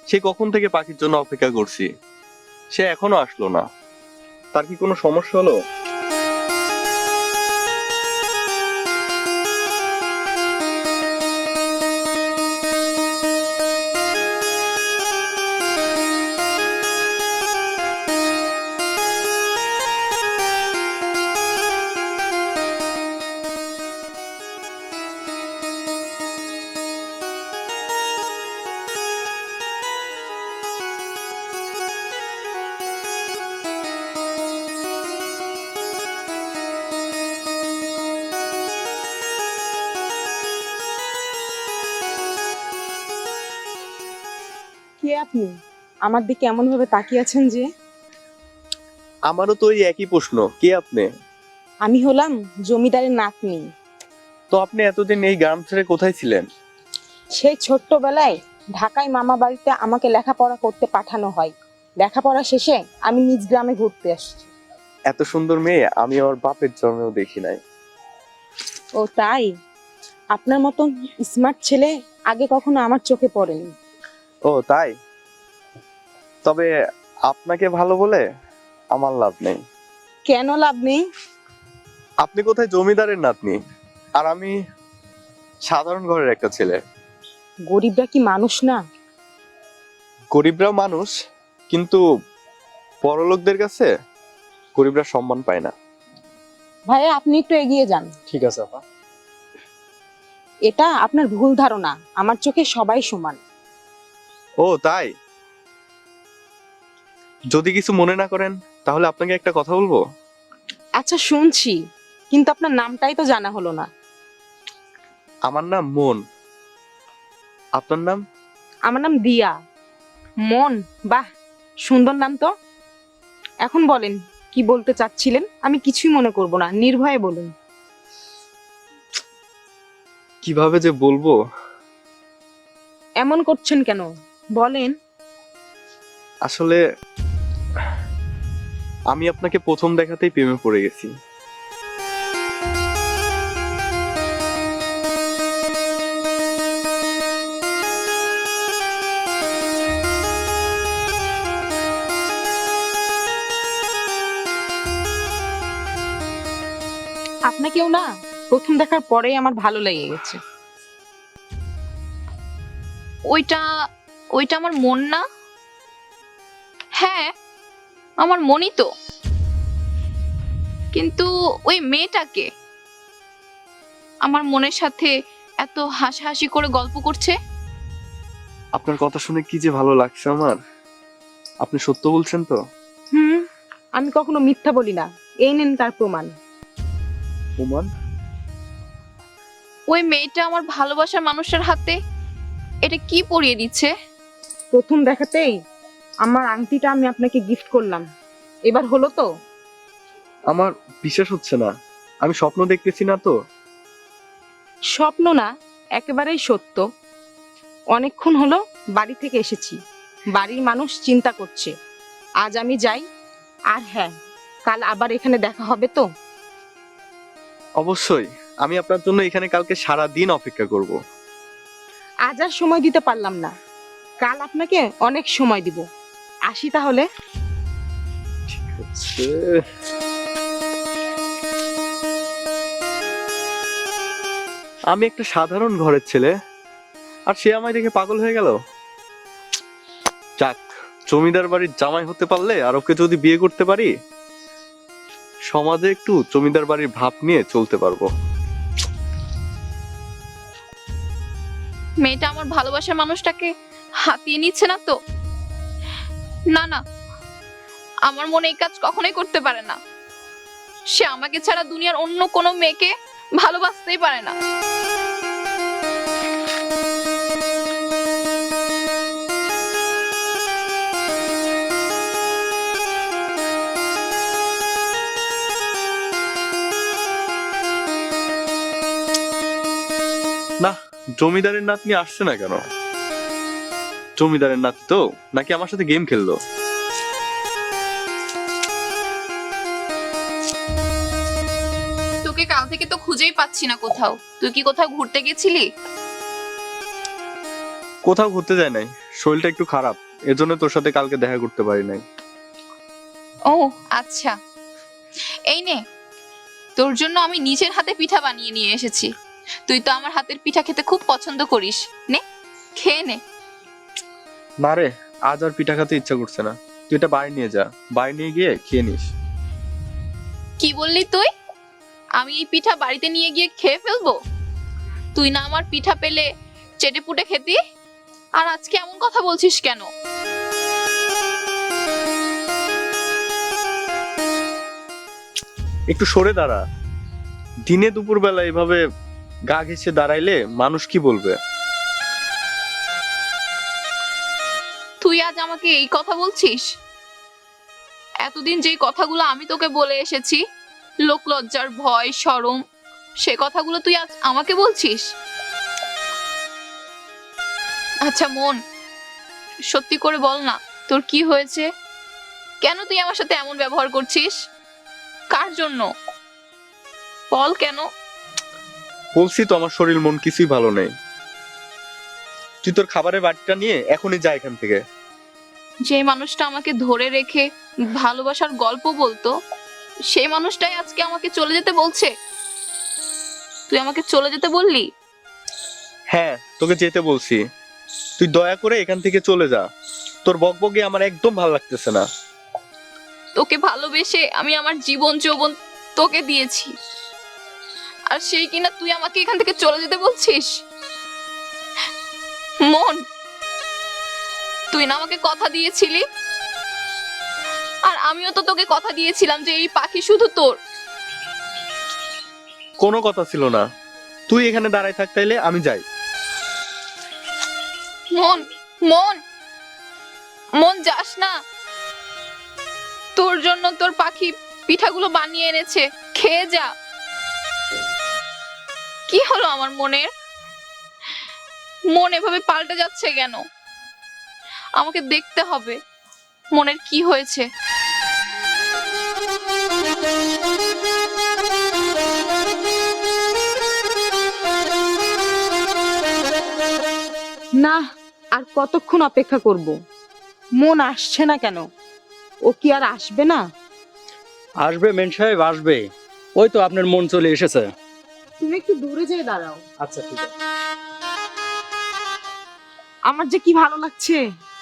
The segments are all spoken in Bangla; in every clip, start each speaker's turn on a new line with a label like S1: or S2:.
S1: সে কখন থেকে পাখির জন্য অপেক্ষা করছি, সে এখনো আসলো না। তার কি কোনো সমস্যা হলো?
S2: কে আপনি? আমার দিকে এমন ভাবে তাকিয়ে আছেন যে?
S1: আমারও তো ওই একই প্রশ্ন, কে আপনি?
S2: আমি হলাম জমিদারের নাতনি।
S1: তো আপনি এতদিন এই গ্রাম ছেড়ে কোথায় ছিলেন?
S2: সেই ছোট্টবেলায় ঢাকায় মামা বাড়িতে আমাকে লেখাপড়া করতে পাঠানো হয়। লেখাপড়া শেষে আমি নিজ গ্রামে ঘুরতে আসছি।
S1: এত সুন্দর মেয়ে আমি আমার বাপের জন্মেও দেখি নাই।
S2: ও তাই? আপনার মতন স্মার্ট ছেলে আগে কখনো আমার চোখে পড়েনি।
S1: ও তাই? তবে আপনাকে ভালো বলে আমার লাভ নেই।
S2: কেন লাভ নেই?
S1: আপনি কোথায় জমিদারের নাতনি, আর আমি সাধারণ ঘরের একটা ছেলে।
S2: গরিবরা কি মানুষ না?
S1: গরিবরাও মানুষ, কিন্তু বড়লোকদের কাছে গরিবরা সম্মান পায় না।
S2: ভাইয়া আপনি একটু এগিয়ে যান।
S1: ঠিক আছে আপা।
S2: এটা আপনার ভুল ধারণা, আমার চোখে সবাই সমান।
S1: ও তাই? যদি কিছু মনে না করেন তাহলে আপনাকে একটা কথা বলবো।
S2: আচ্ছা শুনছি, কিন্তু আপনার নামটাই তো জানা হলো না।
S1: আমার নাম মন। আপনার নাম?
S2: আমার নাম দিয়া। মন? বাহ, সুন্দর নাম তো। এখন বলেন কি বলতে চাচ্ছিলেন, আমি কিছুই মনে করব না, নির্ভয়ে বলুন।
S1: কিভাবে যে বলবো।
S2: এমন করছেন কেন, বলেন।
S1: আসলে আমি আপনাকে প্রথম দেখাতেই প্রেমে পড়ে গেছি।
S2: আপনাকেও না প্রথম দেখার পরেই আমার ভালো লেগে গেছে।
S3: ওইটা ওইটা আমার মন না? হ্যাঁ, আমার মনই তো। কিন্তু ওই মেয়েটাকে আমার মনের সাথে এত হাসাহাসি করে গল্প করছে।
S1: আপনার কথা শুনে কি যে ভালো লাগছে আমার। আপনি সত্য বলছেন তো?
S2: হুম, আমি কখনো মিথ্যা বলি না, এই নেন তার প্রমাণ।
S1: ওমান?
S3: ওই মেয়েটা আমার ভালোবাসার মানুষের হাতে এটা কি পরিয়ে দিচ্ছে?
S2: প্রথম দেখাতেই আমার আংটিটা আমি আপনাকে গিফট করলাম, এবার হলো তো?
S1: আমার বিশ্বাস হচ্ছে না। আমি স্বপ্ন দেখতেছি না তো?
S2: স্বপ্ন না, একেবারেই সত্য। অনেকক্ষণ হলো বাড়ি থেকে এসেছি, বাড়ির মানুষ চিন্তা করছে। আজ আমি যাই, আর হ্যাঁ, কাল আবার এখানে দেখা হবে তো?
S1: অবশ্যই। আমি আপনার জন্য এখানে কালকে সারা দিন অপেক্ষা করব।
S2: আজ আর সময় দিতে পারলাম না, কাল আপনাকে অনেক সময় দিব। আসি তাহলে।
S1: ঠিক আছে। আমি একটা সাধারণ ঘরের ছেলে, আর সে আমায় দেখে পাগল হয়ে গেল। যাক, জমিদার বাড়ির জামাই হতে পারলে আর ওকে যদি বিয়ে করতে পারি, সমাজে একটু জমিদার বাড়ির ভাব নিয়ে চলতে পারবো।
S3: মেয়েটা আমার ভালোবাসার মানুষটাকে হাতিয়ে নিচ্ছে না তো? না না, আমার মনে এই কাজ কখনোই করতে পারে না। সে আমাকে ছাড়া দুনিয়ার অন্য কোনো মেয়েকে ভালোবাসতেই পারে না।
S1: না, জমিদারের নাতনি আসছে না কেন? জমিদারের নাতি তো, নাকি আমার সাথে গেম খেললো?
S3: তোকে কাল থেকে তো খুঁজেই পাচ্ছি না কোথাও। তুই কি কোথাও ঘুরতে গেছিলি?
S1: কোথাও ঘুরতে যায় নাই, শরীরটা একটু খারাপ, এজন্য তোর সাথে কালকে দেখা করতে পারি নাই।
S3: ও আচ্ছা, এই নে, তোর জন্য আমি নিজের হাতে পিঠা বানিয়ে নিয়ে এসেছি। তুই তো আমার হাতের পিঠা খেতে খুব পছন্দ করিস, নে খেয়ে নে।
S1: না রে, আজ আর পিঠা খেতে ইচ্ছা করছে না। তুই এটা বাড়ি নিয়ে যা, বাড়ি নিয়ে গিয়ে খেয়ে নিস।
S3: কি বললি তুই? আমি এই পিঠা বাড়িতে নিয়ে গিয়ে খেয়ে ফেলবো? তুই না আমার পিঠা পেলে চেটে পুটে খেতি, আর আজকে এমন কথা বলছিস কেন?
S1: একটু সরে দাঁড়া। দিনে দুপুর বেলা এভাবে গা ঘেঁষে দাঁড়াইলে মানুষ কি বলবে?
S3: তুই আজ আমাকে এই কথা বলছিস? এতদিন যে কথাগুলো আমি তোকে বলে এসেছি, লোক লজ্জার ভয় শরম, সে কথাগুলো তুই আজ আমাকে বলছিস? আচ্ছা মন, সত্যি করে বল না, তোর কি হয়েছে? কেন তুই আমার সাথে এমন ব্যবহার করছিস? কার জন্য? বল কেন?
S1: বলছি তো আমার শরীর মন কিছুই ভালো নেই। তুই তোর খাবারের বাটিটা নিয়ে এখনই যা এখান থেকে।
S3: যে মানুষটা আমাকে ধরে রেখে ভালোবাসার গল্প বলতো, সেই মানুষটাই আজকে আমাকে চলে যেতে বলছে। তুই আমাকে চলে যেতে বললি?
S1: হ্যাঁ, তোকে যেতে বলছি। তুই দয়া করে এখান থেকে চলে যা। তোর বকবকে আমার একদম ভালো লাগতেছে না।
S3: তোকে ভালোবেসে আমি আমার জীবন যৌবন তোকে দিয়েছি, আর সেই কিনা তুই আমাকে এখান থেকে চলে যেতে বলছিস? মন, তুই না আমাকে কথা দিয়েছিলি, আর আমিও তো তোকে কথা দিয়েছিলাম যে এই পাখি শুধু তোর।
S1: কোনো কথা ছিল না। তুই এখানে দাঁড়ায় থাক, তাইলে আমি যাই।
S3: মন, মন, মন যাস না। তোর জন্য তোর পাখি পিঠাগুলো বানিয়ে এনেছে, খেয়ে যা। কি হলো আমার মনের? মন এভাবে পাল্টে যাচ্ছে কেন? আমাকে দেখতে হবে মনের কি হয়েছে।
S2: না, আর কতক্ষণ অপেক্ষা করব? মন আসছে না কেন? ও কি আর আসবে না?
S4: আসবে মেন সাহেব, আসবে। ওই তো আপনার মন চলে এসেছে।
S2: তুমি একটু দূরে যেয়ে দাঁড়াও।
S4: আচ্ছা ঠিক আছে।
S2: আমার যে কি ভালো লাগছে।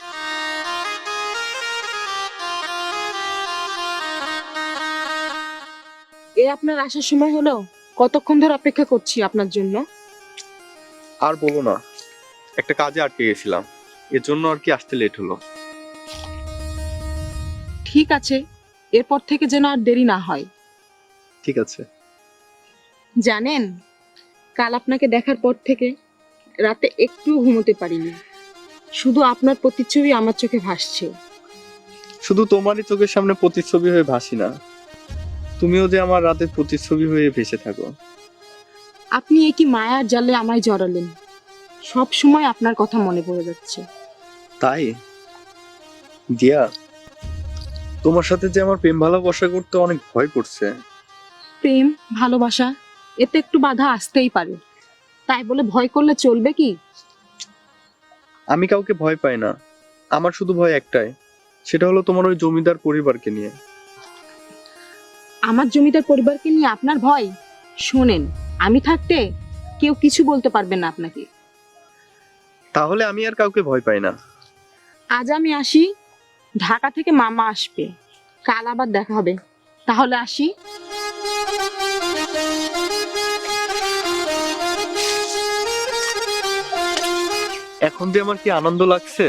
S2: এ আপনার আসার সময় হলো? কতক্ষণ ধরে অপেক্ষা করছি আপনার জন্য।
S1: আর বলো না, একটা কাজে আটকে গেছিলাম, এর জন্য আর কি আসতে লেট হলো।
S2: ঠিক আছে, এরপর থেকে যেন আর দেরি না হয়।
S1: ঠিক আছে।
S2: জানেন, কাল আপনাকে দেখার পর থেকে রাতে একটুও ঘুমোতে পারিনি। শুধু আপনার প্রতিচ্ছবি আমার চোখে ভাসছে।
S1: শুধু তোমারই চোখের সামনে প্রতিচ্ছবি হয়ে ভাসি না, তুমিও যে আমার রাতের প্রতিচ্ছবি হয়ে ভেসে থাকো।
S2: আপনি এই কি মায়ার জালে আমায় জড়ালেন? সব সময় আপনার কথা মনে পড়ে যাচ্ছে।
S1: তাই দিয়া, তোমার সাথে যে আমার প্রেম ভালোবাসা করতে অনেক ভয় করছে।
S2: প্রেম ভালোবাসা, এতে একটু বাধা আসতেই পারে, তাই বলে ভয় করলে চলবে কি?
S1: আমি কাউকে ভয় পাই না, আমার শুধু ভয় একটাই, সেটা হলো তোমার ওই জমিদার পরিবারকে নিয়ে।
S2: আমার জমিদার পরিবারকে নিয়ে আপনার ভয়? শোনেন, আমি থাকতে কেউ কিছু বলতে পারবে না আপনাকে।
S1: তাহলে আমি আর কাউকে ভয় পাই না।
S2: আজ আমি আসি, ঢাকা থেকে মামা আসবে, কাল আবার দেখা হবে। তাহলে আসি।
S1: এখন যে আমার কি আনন্দ লাগছে,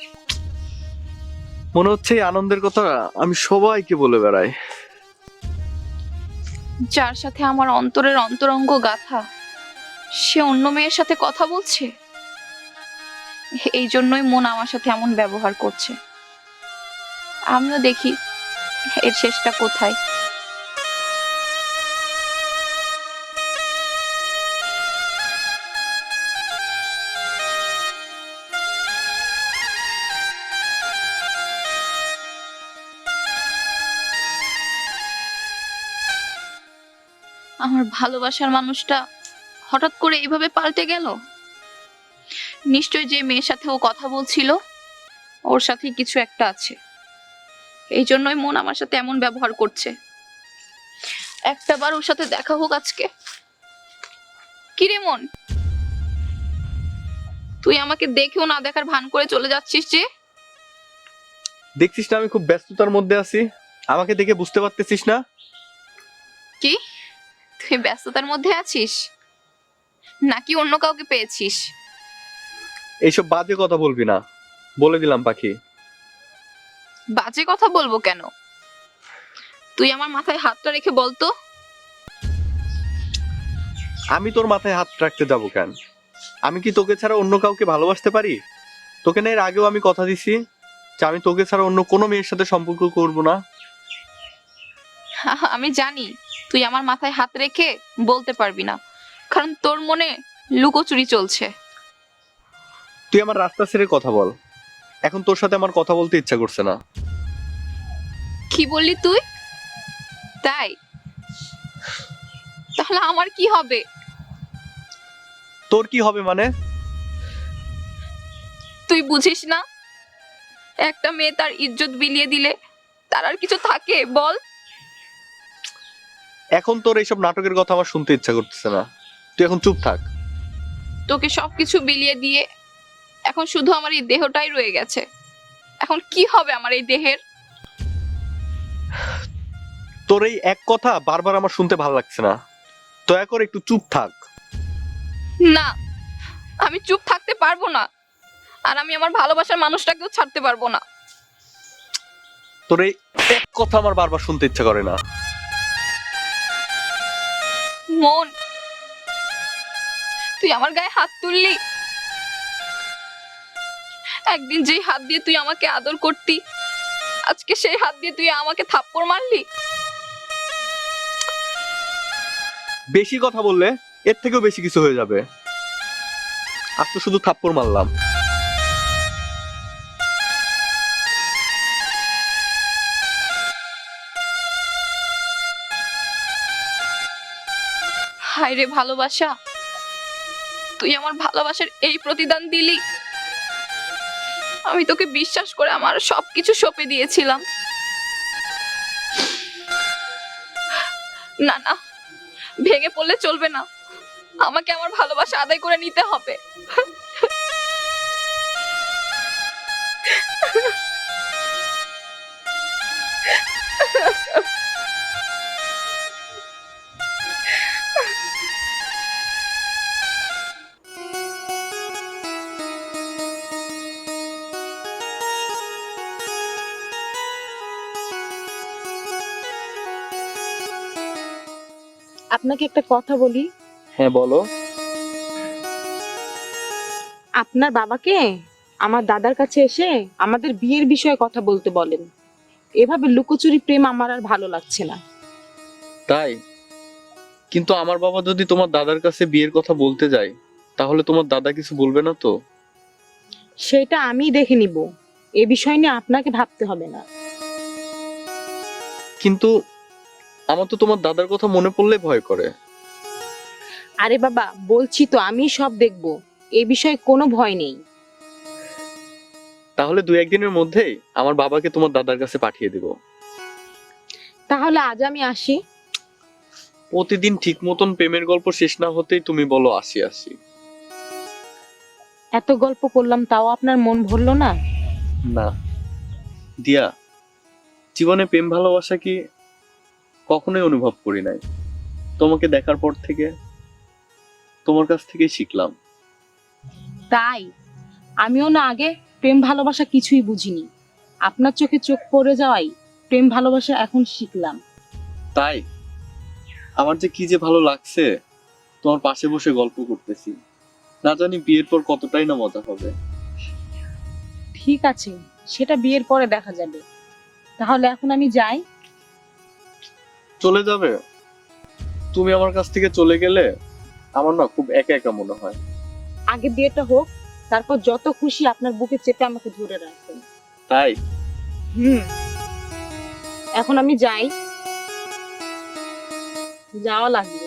S1: মনে হচ্ছে এই আনন্দের কথা আমি সবাইকে বলে বেড়াই।
S3: যার সাথে আমার অন্তরের অন্তরঙ্গ গাথা, সে অন্য মেয়ের সাথে কথা বলছে। এই জন্যই মন আমার সাথে এমন ব্যবহার করছে। আমিও দেখি এর শেষটা কোথায়। আমার ভালোবাসার মানুষটা হঠাৎ করে এইভাবে পাল্টে গেল। নিশ্চয় যে মেয়ের সাথে ও কথা বলছিল ওর সাথে কিছু একটা আছে, এই জন্যই মন আমার সাথে এমন ব্যবহার করছে। একটাবার ওর সাথে দেখা হোক আজকে। কিরে মন, তুই আমাকে দেখেও না দেখার ভান করে চলে যাচ্ছিস যে?
S1: দেখছিস না আমি খুব ব্যস্ততার মধ্যে আছি, আমাকে দেখে বুঝতে পারতেছিস না?
S3: কি, তুই ব্যস্ততার মধ্যে আছিস নাকি অন্য কাউকে পেয়েছিস?
S1: এইসব বাজে কথা বলবি না, বলে দিলাম পাখি।
S3: বাজে কথা বলবো কেন? তুই আমার মাথায় হাতটা রেখে বলতো।
S1: আমি তোর মাথায় হাত রাখতে যাবো কেন? আমি কি তোকে ছাড়া অন্য কাউকে ভালোবাসতে পারি? তোকে না এর আগেও আমি কথা দিছি যে আমি তোকে ছাড়া অন্য কোনো মেয়ের সাথে সম্পর্ক করব না।
S3: আমি জানি তুই আমার মাথায় হাত রেখে বলতে পারবি না, কারণ তোর মনে লুকোচুরি চলছে।
S1: তুই আমার রাস্তা ছেড়ে কথা বল, এখন তোর সাথে আমার কথা বলতে ইচ্ছা করছে না।
S3: কি বললি তুই? তাই? তাহলে আমার কি হবে?
S1: তোর কি হবে মানে?
S3: তুই বুঝিস না, একটা মেয়ে তার ইজ্জত বিলিয়ে দিলে তার আর কিছু থাকে বল?
S1: এখন তোর এইসব নাটকের কথা আমার শুনতে ইচ্ছা করতেছে না, তুই এখন চুপ থাক।
S3: তোকে সবকিছু বিলিয়ে দিয়ে এখন শুধু আমার এই দেহটাই রয়ে গেছে। এখন কি হবে আমার এই দেহের?
S1: তোর এই এক কথা বারবার আমার শুনতে ভালো লাগছে না, দয়া করে একটু চুপ থাক।
S3: না, আমি চুপ থাকতে পারবো না, আর আমি আমার ভালোবাসার মানুষটাকেও ছাড়তে পারবো না।
S1: তোর এই এক কথা আমার বারবার শুনতে ইচ্ছা করে না।
S3: মন, তুই আমার গায়ে হাত তুললি। একদিন যেই হাত দিয়ে তুই আমাকে আদর করতি, আজকে সেই হাত দিয়ে তুই আমাকে থাপ্পড় মারলি।
S1: বেশি কথা বললে এর থেকেও বেশি কিছু হয়ে যাবে। আজ তো শুধু থাপ্পড় মারলাম।
S3: হায় রে ভালোবাসা, তুই আমার ভালোবাসার এই প্রতিদান দিলি। আমি তোকে বিশ্বাস করে আমার সবকিছু সঁপে দিয়েছিলাম। না না, ভেঙে পড়লে চলবে না, আমাকে আমার ভালোবাসা আদায় করে নিতে হবে।
S2: আপনাকে একটা কথা বলি।
S1: হ্যাঁ বলো।
S2: আপনার বাবাকে আমার দাদার কাছে এসে আমাদের বিয়ের বিষয়ে কথা বলতে বলেন। এভাবে লুকোচুরি প্রেম আমার আর ভালো লাগছে না।
S1: তাই? কিন্তু আমার বাবা যদি তোমার দাদার কাছে বিয়ের কথা বলতে যায়, তাহলে তোমার দাদা কিছু বলবে না তো?
S2: সেটা আমি দেখে নিব, এ বিষয় নিয়ে আপনাকে ভাবতে হবে না।
S1: কিন্তু আমার তো তোমার দাদার কথা মনে পড়লে ভয় করে।
S2: আরে বাবা, বলছি তো আমি সব দেখব, এ বিষয়ে কোনো ভয় নেই।
S1: তাহলে 2-1 দিনের মধ্যেই আমার বাবাকে তোমার দাদার কাছে পাঠিয়ে দিব।
S2: তাহলে আজ আমি আসি।
S1: প্রতিদিন ঠিক মতন প্রেমের গল্প শেষ না হতেই তুমি বলো আসি আসি।
S2: এত গল্প করলাম তাও আপনার মন ভরলো না?
S1: না দিয়া, জীবনে প্রেম ভালোবাসা কি কখনোই অনুভব করি নাই। তোমাকে দেখার পর থেকে তোমার কাছ থেকে শিখলাম।
S2: তাই? আমিও না আগে প্রেম ভালোবাসা কিছুই বুঝিনি, আপনার চোখে চোখ পড়ে যাওয়াই প্রেম ভালোবাসা এখন শিখলাম।
S1: তাই আমার যে কি যে ভালো লাগছে, তোমার পাশে বসে গল্প করতেছি। না জানি বিয়ের পর কতটাই না মজা হবে।
S2: ঠিক আছে, সেটা বিয়ের পরে দেখা যাবে। তাহলে এখন আমি যাই।
S1: চলে যাবে? তুমি আমার কাছ থেকে চলে গেলে আমার না খুব একা একা মনে হয়।
S2: আগে বিয়েটা হোক, তারপর যত খুশি আপনার বুকে চেপে আমাকে ধরে রাখবেন।
S1: তাই?
S2: এখন আমি যাই, যাওয়া লাগবে।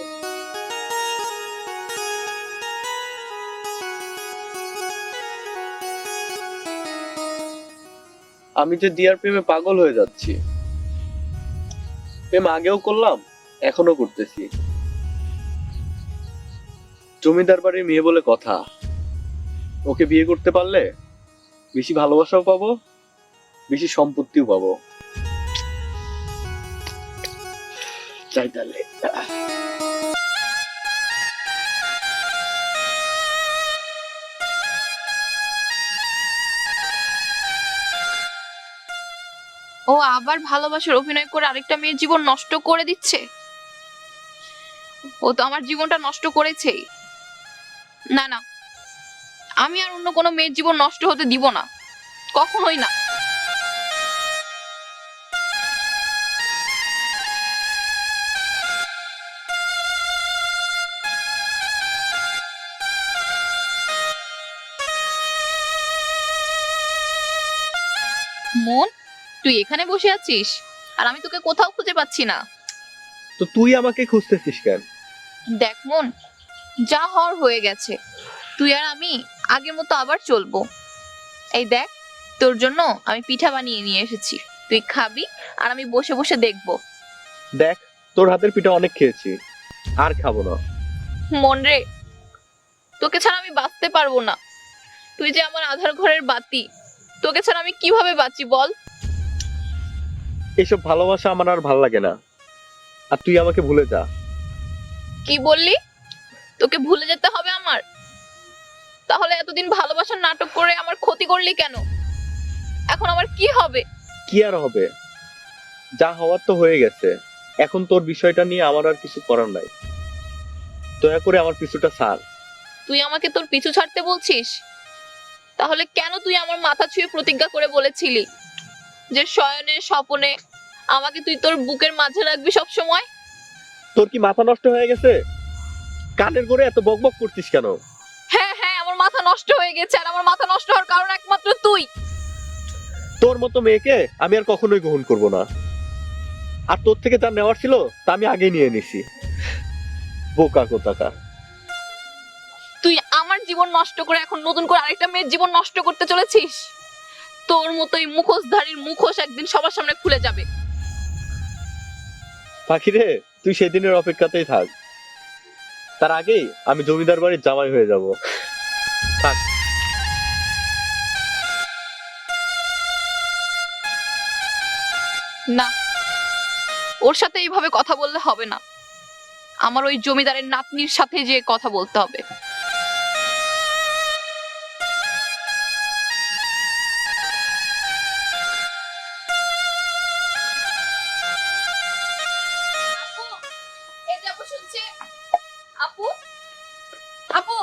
S1: আমি যে দিয়ার প্রেমে পাগল হয়ে যাচ্ছি। প্রেম আগেও করলাম, এখনো করতেছি। জমিদার বাড়ির মেয়ে বলে কথা, ওকে বিয়ে করতে পারলে বেশি ভালোবাসাও পাবো, বেশি সম্পত্তিও পাবো। চাই তাহলে।
S3: ও আবার ভালোবাসার অভিনয় করে আরেকটা মেয়ের জীবন নষ্ট করে দিচ্ছে। ও তো আমার জীবনটা নষ্ট করেছেই। না না, আমি আর অন্য কোনো মেয়ের জীবন নষ্ট হতে দিব না, কখনোই না। মন, তুই এখানে বসে আছিস আর আমি তোকে কোথাও খুঁজে পাচ্ছি না।
S1: তো তুই আমাকে খুঁজতেছিস কেন?
S3: দেখ মন, যা হওয়ার হয়ে গেছে। তুই আর আমি আগের মতো আবার চলবো। এই দেখ, তোর জন্য আমি পিঠা বানিয়ে নিয়ে এসেছি, তুই খাবি আর আমি বসে বসে দেখবো।
S1: দেখ, তোর হাতের পিঠা অনেক খেয়েছি, আর খাবো না।
S3: মন রে, তোকে ছাড়া আমি বাঁচতে পারবো না। তুই যে আমার আধার ঘরের বাতি, তোকে ছাড়া আমি কিভাবে বাঁচি বল?
S1: এইসব ভালোবাসা আমার আর ভাল লাগে না, আর তুই আমাকে ভুলে যা।
S3: কি বললি? তোকে ভুলে যেতে হবে আমার? তাহলে এতদিন ভালোবাসার নাটক করে আমার ক্ষতি করলি কেন? এখন আমার কি হবে?
S1: কি আর হবে, যা হওয়ার তো হয়ে গেছে। এখন তোর বিষয়টা নিয়ে আমার আর কিছু করার নাই। দয়া করে আমার পিছুটা ছাড়।
S3: তুই আমাকে তোর পিছু ছাড়তে বলছিস? তাহলে কেন তুই আমার মাথা ছুঁয়ে প্রতিজ্ঞা করে বলেছিলি যে শয়নে স্বপনে আমাকে তুই তোর বুকের মাঝে রাখবি সব সময়?
S1: তোর কি মাথা নষ্ট হয়ে গেছে? কানের করে এত বকবক করছিস কেন?
S3: হ্যাঁ হ্যাঁ, আমার মাথা নষ্ট হয়ে গেছে, আর আমার মাথা নষ্ট হওয়ার কারণ একমাত্র তুই।
S1: তোর মতো মেয়েকে আমি আর কখনোই গ্রহণ করব না, আর তোর থেকে যা নেওয়ার ছিল তা আমি আগেই নিয়ে নিছি। বোকা কোথাকার।
S3: তুই আমার জীবন নষ্ট করে এখন নতুন করে আরেকটা মেয়ের জীবন নষ্ট করতে চলেছিস। তোর মতোই মুখোশধারীর মুখোশ একদিন সবার সামনে খুলে যাবে।
S1: পাখি রে, তুই সেদিনের অপেক্ষাতেই থাক, তার আগেই আমি জমিদার বাড়ির জামাই হয়ে যাব। থাক।
S3: না, ওর সাথে এইভাবে কথা বললে হবে না। আমার ওই জমিদারের নাতনির সাথে যে কথা বলতে হবে। আপু, আপু।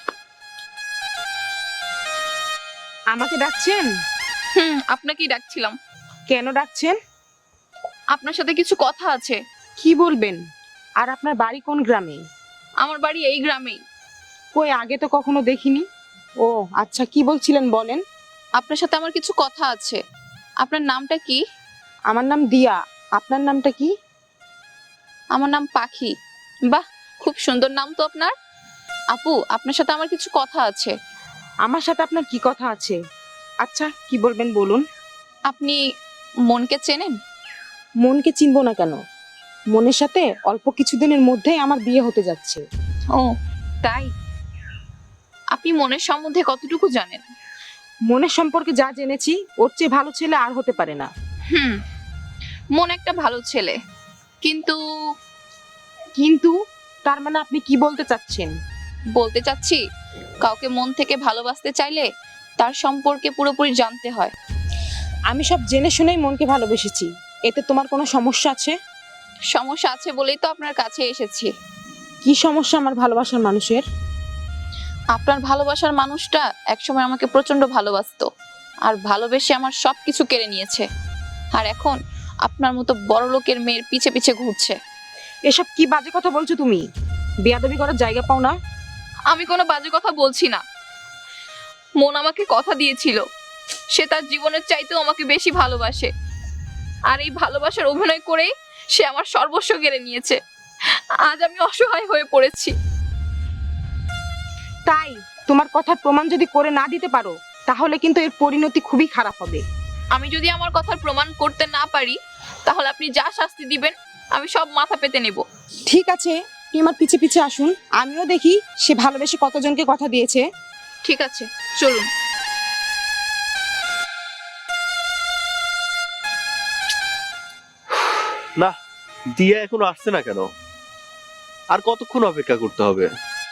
S2: আমাকে ডাকছেন?
S3: আপনাকেই ডাকছিলাম।
S2: কেন ডাকছেন?
S3: আপনার সাথে কিছু কথা আছে।
S2: কি বলবেন? আর আপনার বাড়ি কোন গ্রামে?
S3: আমার বাড়ি এই গ্রামেই।
S2: কই, আগে তো কখনো দেখিনি। ও আচ্ছা, কি বলছিলেন বলেন।
S3: আপনার সাথে আমার কিছু কথা আছে। আপনার নামটা কি?
S2: আমার নাম দিয়া। আপনার নামটা কি?
S3: আমার নাম পাখি। বাহ, খুব সুন্দর নাম তো আপনার। আপু, আপনার সাথে আমার কিছু কথা আছে।
S2: আমার সাথে আপনার কি কথা আছে? আচ্ছা, কি বলবেন বলুন।
S3: আপনি মনকে চেনেন?
S2: মনকে চিনবো না কেন? মনের সাথে অল্প কিছুদিনের মধ্যেই আমার বিয়ে হতে যাচ্ছে।
S3: ও তাই? আপনি মনের সম্বন্ধে কতটুকু জানেন?
S2: মনের সম্পর্কে যা জেনেছি, ওর চেয়ে ভালো ছেলে আর হতে পারে না।
S3: মন একটা ভালো ছেলে, কিন্তু
S2: কিন্তু তার মানে আপনি কি বলতে চাচ্ছেন?
S3: বলতে চাচ্ছি, কাউকে মন থেকে ভালোবাসতে চাইলে তার সম্পর্কে পুরোপুরি জানতে হয়।
S2: আমি সব জেনে শুনেই মনকে ভালোবেসেছি, এতে তোমার কোনো সমস্যা আছে?
S3: সমস্যা আছে বলেই তো আপনার কাছে এসেছি।
S2: কি সমস্যা আমার ভালোবাসার মানুষের?
S3: আপনার ভালোবাসার মানুষটা একসময় আমাকে প্রচন্ড ভালোবাসতো, আর ভালোবেসে আমার সবকিছু কেড়ে নিয়েছে। আর এখন আপনার মতো বড় লোকের মেয়ের পিছে পিছে ঘুরছে।
S2: এসব কি বাজে কথা বলছো তুমি? বেয়াদবি করার জায়গা পাও না?
S3: আমি কোনো বাজে কথা বলছি না। মন আমাকে কথা দিয়েছিল সে তার জীবনের চাইতেও আমাকে বেশি ভালোবাসে, আর এই ভালোবাসার অভিনয় করেই সে আমার সর্বস্ব কেড়ে নিয়েছে। আজ আমি অসহায় হয়ে পড়েছি।
S2: তাই তোমার কথার প্রমাণ যদি করে না দিতে পারো, তাহলে কিন্তু এর পরিণতি খুবই খারাপ হবে।
S3: আমি যদি আমার কথার প্রমাণ করতে না পারি তাহলে আপনি যা শাস্তি দিবেন আমি সব মাথা পেতে নেব।
S2: ঠিক আছে, আপনি আমার পিছে পিছে আসুন, আমিও দেখি সে ভালোবেসে কতজনকে কথা দিয়েছে।
S3: ঠিক আছে, চলুন।
S1: না, দিয়া এখনো আসছে না কেন? আর কতক্ষণ অপেক্ষা করতে হবে?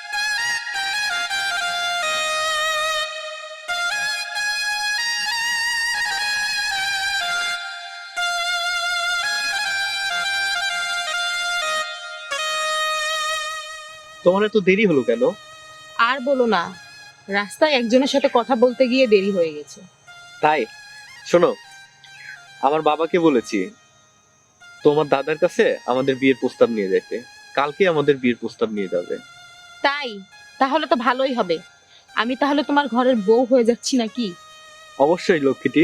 S1: তোমার এত দেরি হলো কেন?
S2: আর বলো না, রাস্তায় একজনের সাথে কথা বলতে গিয়ে দেরি হয়ে গেছে।
S1: তাই শোনো, আমার বাবাকে বলেছি তোমার দাদার কাছে আমাদের বিয়ের প্রস্তাব নিয়ে যেতে। কালকে আমাদের বিয়ের প্রস্তাব নিয়ে যাবে।
S2: তাই? তাহলে তো ভালোই হবে। আমি তাহলে তোমার ঘরের বউ হয়ে যাচ্ছি নাকি?
S1: অবশ্যই লক্ষ্মীটি।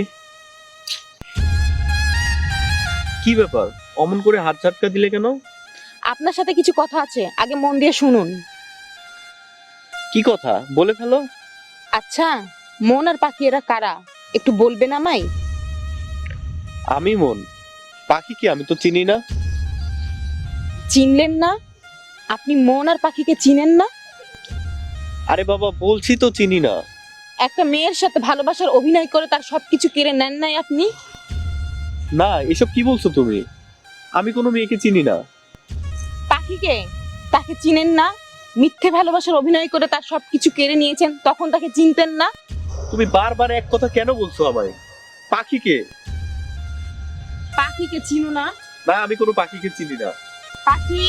S1: কি ব্যাপার, অমন করে হাত ঝাটকা দিলে কেন?
S2: আপনার সাথে কিছু কথা আছে, আগে মন দিয়ে শুনুন।
S1: কি কথা, বলে ফেলো।
S2: আচ্ছা, মন আর পাখি এরা কারা, একটু বলবেন আমায়?
S1: আমি মন, পাখি কি? আমি তো চিনি না।
S2: চিনলেন না? আপনি মন আর পাখিকে চিনেন না?
S1: আরে বাবা, বলছি তো চিনি না।
S2: একটা মেয়ের সাথে ভালোবাসার অভিনয় করে তার সবকিছু কেড়ে নেন নাই আপনি?
S1: না, এসব কি বলছো তুমি? আমি কোনো মেয়েকে চিনি না।
S2: পাখিকে, তাকে চিনেন না? মিথ্যে ভালোবাসার অভিনয় করে তার সবকিছু কেড়ে নিয়েছেন, তখন তাকে চিনতেন না?
S1: তুমি বারবার এক কথা কেন বলছো আমায়? পাখিকে?
S2: পাখিকে চিনো না?
S1: না, আমি কোনো পাখিকে চিনি না।
S2: পাখি,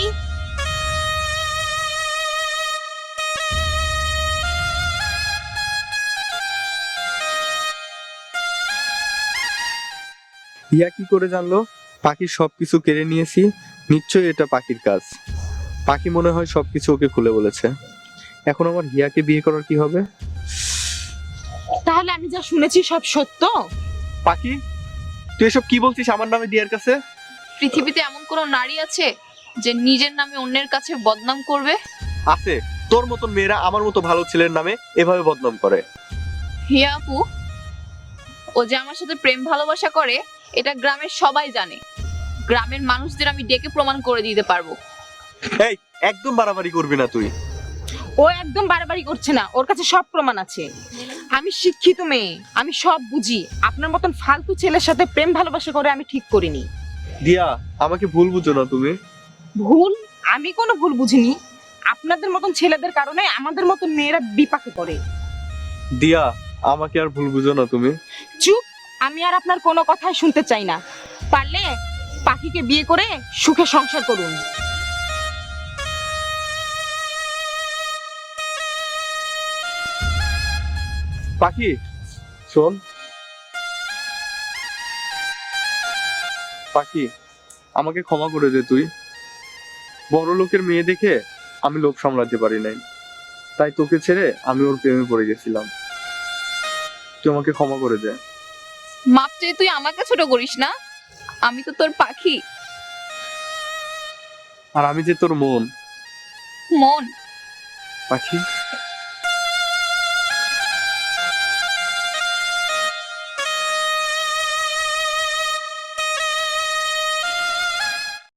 S1: হিয়া কি করে জানলো পাখির সবকিছু কেড়ে নিয়েছি? নিশ্চয়ই এটা পাখির কাজ। পাখি মনে হয় সবকিছু ওকে খুলে বলেছে। এখন আমার হিয়াকে বিয়ে করার কি হবে?
S2: তাহলে আমি যা শুনেছি সব সত্য?
S1: পাখি, তুই এসব কি বলছিস আমার নামে দিয়ার কাছে?
S3: পৃথিবীতে এমন কোনো নারী আছে যে নিজের নামে অন্যের কাছে বদনাম করবে?
S1: আছে, তোর মতন মেয়েরা আমার মতো ভালো ছেলের নামে এভাবে বদনাম করে।
S3: হিয়া আপু, ও যে আমার সাথে প্রেম ভালোবাসা করে এটা গ্রামের সবাই জানে। গ্রামের মানুষদের আমি ডেকে প্রমাণ করে দিতে পারবো।
S1: এই, একদম বাড়াবাড়ি করবি না তুই।
S2: ও একদম বাড়াবাড়ি করছে না, ওর কাছে সব প্রমাণ আছে। আমি শিক্ষিত মেয়ে, আমি সব বুঝি। আপনার মতন ফালতু ছেলের সাথে প্রেম ভালোবাসা করে আমি ঠিক করিনি।
S1: দিয়া, আমাকে ভুল বুঝো না তুমি।
S2: ভুল? আমি কোনো ভুল বুঝিনি। আপনাদের মতন ছেলেদের কারণে আমাদের মতন মেয়েরা বিপাকে পড়ে।
S1: দিয়া, আমাকে আর ভুল বুঝো না তুমি।
S2: চুপ, আমি আর আপনার কোনো কথাই শুনতে চাই না। পারলে পাখিকে বিয়ে করে সুখে সংসার করুন।
S1: পাখি, শোন। পাখি, আমাকে ক্ষমা করে দে তুই। বড় লোকের মেয়ে দেখে আমি লোভ সামলাতে পারি নাই, তাই তোকে ছেড়ে আমি ওর প্রেমে পড়ে গেছিলাম। তুই আমাকে ক্ষমা করে দে।
S3: মাপ চেয়ে তুই আমাকে ছোট করিস না, আমি তো তোর পাখি।
S1: আর আমি যে তোর মন।
S3: মন?
S1: পাখি।